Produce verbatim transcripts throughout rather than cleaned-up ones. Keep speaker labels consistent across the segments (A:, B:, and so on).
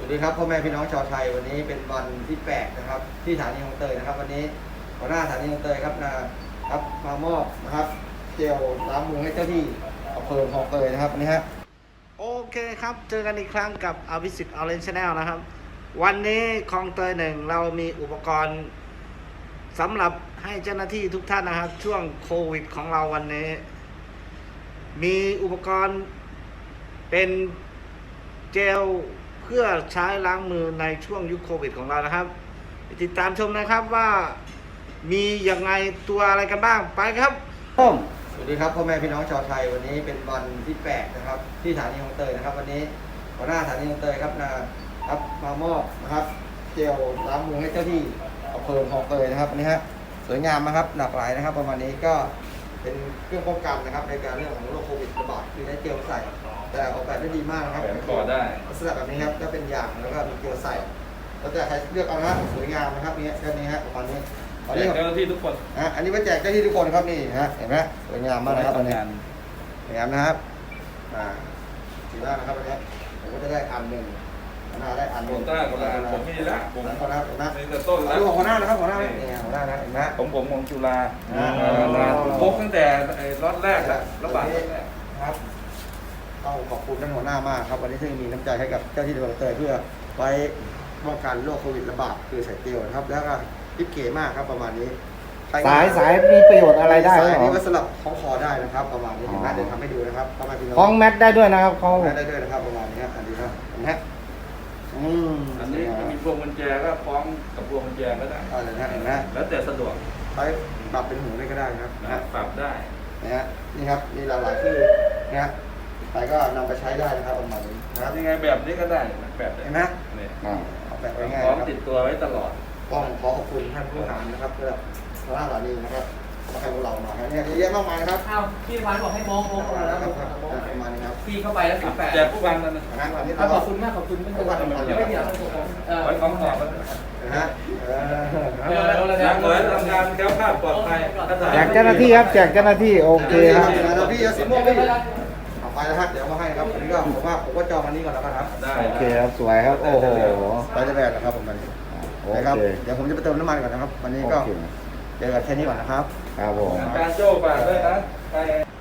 A: ดีครับพ่อแม่พี่น้องชาวไทยวันนี้เป็นวันที่แปดนะครับที่สถานีคลองเตยนะครับวันนี้หัวหน้าสถานีคลองเตยครับนะครับมามอบนะครับเจลล้างมือให้เจ้าที่อำเภอคลองเตยนะครับวันนี้ฮะโอเคครับเจอกันอีกครั้งกับอภิสิทธิ์ออเรนจ์ Channel นะครับวันนี้คลองเตยหนึ่งเรามีอุปกรณ์สำหรับให้เจ้าหน้าที่ทุกท่านนะครับช่วงโควิดของเราวันนี้มีอุปกรณ์เป็นเจลเพื่อใช้ล้างมือในช่วงยุคโควิดของเรานะครับติดตามชมนะครับว่ามียังไงตัวอะไรกันบ้างไปครับสวัสดีครับพ่อแม่พี่น้องชาวไทยวันนี้เป็นวันที่แปดนะครับที่สถานีคลองเตยนะครับวันนี้หัวหน้าสถานีคลองเตยครับนะครับมามอบนะครับเจลล้างมือให้เจ้าที่อำเภอคลองเตยนะครับวันนี้ฮะสวยงามนะครับหลากหลายนะครับประมาณนี้ก็เป็นเครื่องป้องกันนะครับในการเรื่องของโรคโควิดระบาดคือใช้เจลใส่แต่ออกแบบได้ดีมากนะครับ
B: ก่อได้
A: ลักษณะแบบนี้ครับก็เป็นยางแล้วก็มีเกลียวใส่แล้วแต่ใครเลือกเอานะสวยงามนะครับนี่แค่นี้ฮะประมาณนี้
B: แจกเจ้าหน้าที่ทุกคน
A: อ่ะอันนี้ไว้แจกเจ้าหน้าที่ทุกคนครับนี่ฮะเห็นไหมสวยงามมากนะครับอันนี้สวยงามนะครับอ่าสีหน้านะครับอันนี้ผมก็จะได้อันหนึ่งหน้าได้อันหนึ่ง
B: ผมต้าคนละผมมีละผม
A: คนละคนละ
B: นี่จะต้นละ
A: ดูของหัวหน้านะครับหัวหน้านี่หัวหน้านะเห็นไหม
B: ผมผมของจุฬาพกตั้งแต่ล็อตแรกแล้วระบาดแรก
A: ครับต้องขอบคุณท่านหัวหน้ามากครับวันนี้ที่มีน้ำใจให้กับเจ้าที่ตำรวจเตยเพื่อไว้ป้องกันโรคโควิดระบาดคือใส่เตียวนะครับแล้วก็ทิปเก๋มากครับประมาณนี้
C: สายสายมีประโยชน์อะไรได้
A: สายนี้ก็สลับคล้องคอได้นะครับประมาณนี้เห็นไหมเดี๋ยวทำให้ดูนะครับประมาณนี้
C: คล้องแมทได้ด้วยนะครับคล้อง
A: แมทได้ด้วยนะครับประมาณนี้ครับอันนี้ครับเห็นไหมอืม
B: อันนี้มีพวงกุญแจก็คล้องกับพวงกุญแจก็ได้
A: อะไรนะเห็นไหม
B: แล้วแต่สะดวก
A: ใช้ปรับเป็นหูได้ก็ได้ครับ
B: นะปรับได้
A: นะฮะนี่ครับมีหลายๆชื่อนะฮะใครก็นำไปใช้ได้นะครับประมาณนี้นะครับ
B: ยังไงแบบนี้ก็ได้แบบ
A: เห็นไหม
B: เนี่ย
A: แบบง่ายๆ
B: พร้อมติดตัวไว้ตลอด
A: ต้องขอขอบคุณท่านผู้หารนะครับเพื่อพระราชานีนะครับมาให้พวกเรามาเนี่ยเยอะมากมายนะครับ
D: อ้าวพี่วานบอกให้มองมองแล้ว
A: ประมาณนี้ครับ
D: พี่เข้าไปแล้วสิบแปด
B: แจกผู้พันนั่นนะ
D: ขอบคุณมากขอบคุณไม่ต้องไม่เดี๋ยว
B: ไว้ของต่อ
A: นะฮะ
B: นักเหนือทำงานแก้วคาดปลอดภัย
C: แจกเจ้าหน้าที่ครับแจกเจ้าหน้าที่โอเคครับ
A: พี่ยาสีม่วงพี่เอาไปแล้วฮะเดี๋ยวมาให้ครับอันนี้ก็ผมว่าผมก็จองอันนี้ก่อนแล้วกันครับ
B: ได้
C: โอเคครับสวยครับโอ้โห
A: ไปได้แบบนะครับผมวันนี้นะครับเดี๋ยวผมจะไปเติมน้ำมันก่อนนะครับวันนี้ก็เจอกันแค่นี้ก่อนนะครับ
C: ครับผม
B: การโจ้ฝากด้วยนะไป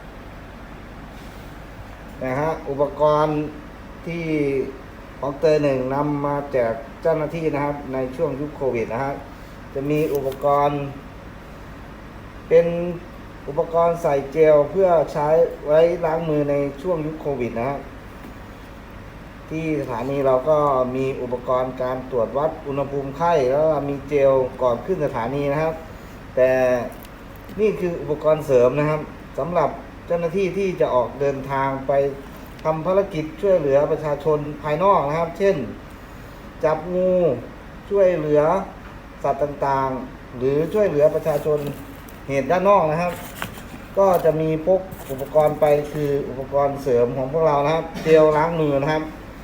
C: นะฮะอุปกรณ์ที่ของเตยหนึ่งนำมาแจกเจ้าหน้าที่นะครับในช่วงยุคโควิดนะฮะจะมีอุปกรณ์เป็นอุปกรณ์ใส่เจลเพื่อใช้ไว้ล้างมือในช่วงยุคโควิดนะฮะที่สถานีเราก็มีอุปกรณ์การตรวจวัดอุณหภูมิไข้แล้วมีเจลก่อนขึ้นสถานีนะครับแต่นี่คืออุปกรณ์เสริมนะครับสำหรับเจ้าหน้าที่ที่จะออกเดินทางไปทำภารกิจช่วยเหลือประชาชนภายนอกนะครับ เช่นจับงูช่วยเหลือสัตว์ต่างๆหรือช่วยเหลือประชาชนเหตุด้านนอกนะครับก็จะมีพกอุปกรณ์ไปคืออุปกรณ์เสริมของพวกเรานะครับเจลล้างมือนะครับ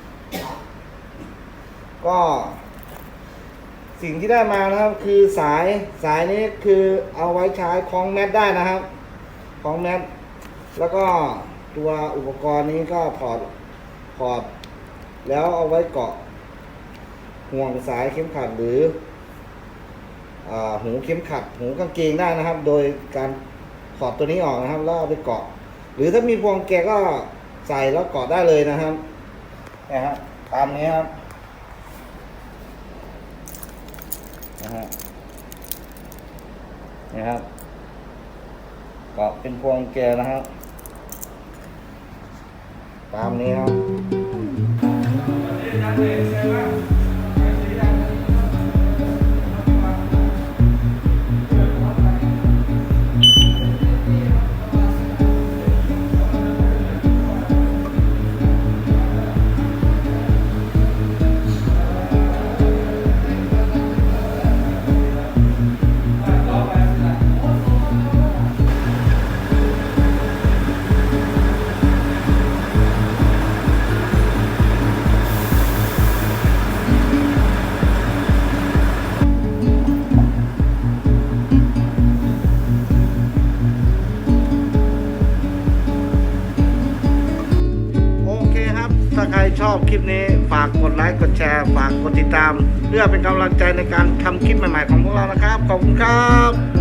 C: ก็สิ่งที่ได้มานะครับคือสายสายนี้คือเอาไว้ใช้คล้องแมทได้นะครับคล้องแมทแล้วก็ตัวอุปกรณ์นี้ก็ถอดถอดแล้วเอาไว้เกาะห่วงสายเข็มขัดหรือหูเข็มขัดหูกางเกงได้นะครับ โดยการถอดตัวนี้ออกนะครับแล้วเอาไปเกาะหรือถ้ามีพวงแกก็ใส่แล้วเกาะได้เลยนะครับนะฮะตามนี้ครับนะฮะนี่ครับเกาะเป็นพวงแกนะครับตามนี้ครับถ้าใครชอบคลิปนี้ฝากากกดไลค์กดแชร์ฝากกดติดตาม เพื่อเป็นกำลังใจในการทำคลิปใหม่ๆของพวกเรานะครับขอบคุณครับ